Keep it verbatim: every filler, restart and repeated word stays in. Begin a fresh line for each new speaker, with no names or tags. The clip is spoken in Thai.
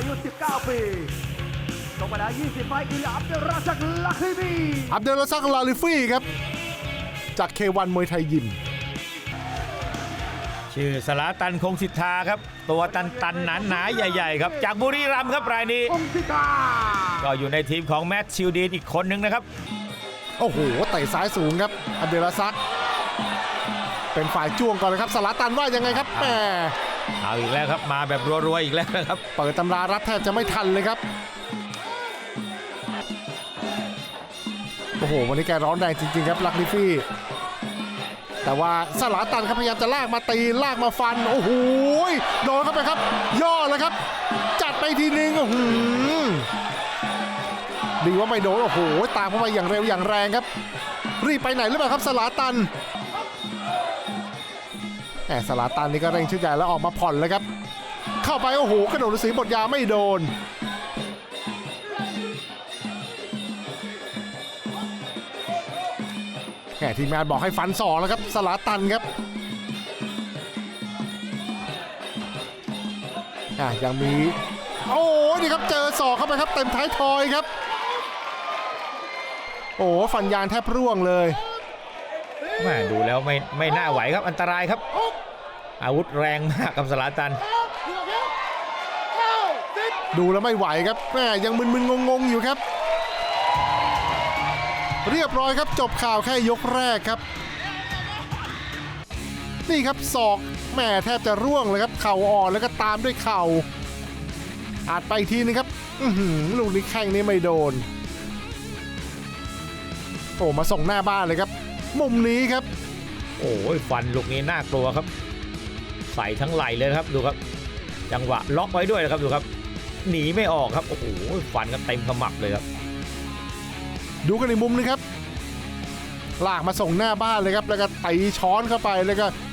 ยุสิบเก้าปีชกมาแล้วยี่สิบไฟต์คืออับดุลราซักลาลิฟี
อับดุลราซักลาลิฟีครับจาก เค วัน มวยไทยยิม
ชื่อสลาตันคงสิทธาครับตัวตันตันหนาหนาใหญ่ๆครับจากบุรีรัมย์ครับรายนี้ก็อยู่ในทีมของแมตชิลดีนอีกคนนึงนะครับ
โอ้โหเตะซ้ายสูงครับอับดุลราซักเป็นฝ่ายจ้วงก่อนเลยครับสลาตันว่ายังไงครับแหม
เอาอีกแล้วครับมาแบบรัวๆอีกแล้วครับ
เปิดตำรารัดแทบจะไม่ทันเลยครับโอ้โหวันนี้แกร้อนแรงจริงๆครับลาลิฟีแต่ว่าสลาตันครับพยายามจะลากมาตีลากมาฟันโอ้โหโดนเข้าไปครับย่อเลยครับจัดไปทีนึงโอ้โหดีว่าไม่โดนโอ้โหตามเข้าไปอย่างเร็วอย่างแรงครับรีบไปไหนหรือเปล่าครับสลาตันแหมสลาตันนี่ก็เร่งชุดใหญ่แล้วออกมาผ่อนเลยครับเข้าไปโอ้โหกระโดดฤาษีบทยาไม่โดนแหมทีมงานบอกให้ฟันสองแล้วครับสลาตันครับอ่ะยังมีโอ้นี่ครับเจอศอกเข้าไปครับเต็มท้ายทอยครับโอ้ฟันยางแทบร่วงเลย
แม่ดูแล้วไม่ไม่น่าไหวครับอันตรายครับอาวุธแรงมากกับสลาตัน
ดูแล้วไม่ไหวครับแม่ยังมึนๆงงๆอยู่ครับเรียบร้อยครับจบข่าวแค่ยกแรกครับนี่ครับศอกแม่แทบจะร่วงเลยครับเข่าอ่อนแล้วก็ตามด้วยเข่าอาจไปทีนึงครับอื้อหือลูกนี้แข้งนี้ไม่โดนโอ้มาส่งหน้าบ้านเลยครับมุมนี้ครับ
โอ้ยฟันลูกนี้น่ากลัวครับใส่ทั้งไหล่เลยครับดูครับจังหวะล็อกไว้ด้วยนะครับดูครับหนีไม่ออกครับโอ้โหฟันกันเต็มขมับเลยครับ
ดูกันในมุมนึงครับลากมาส่งหน้าบ้านเลยครับแล้วก็ตีช้อนเข้าไปแล้วก็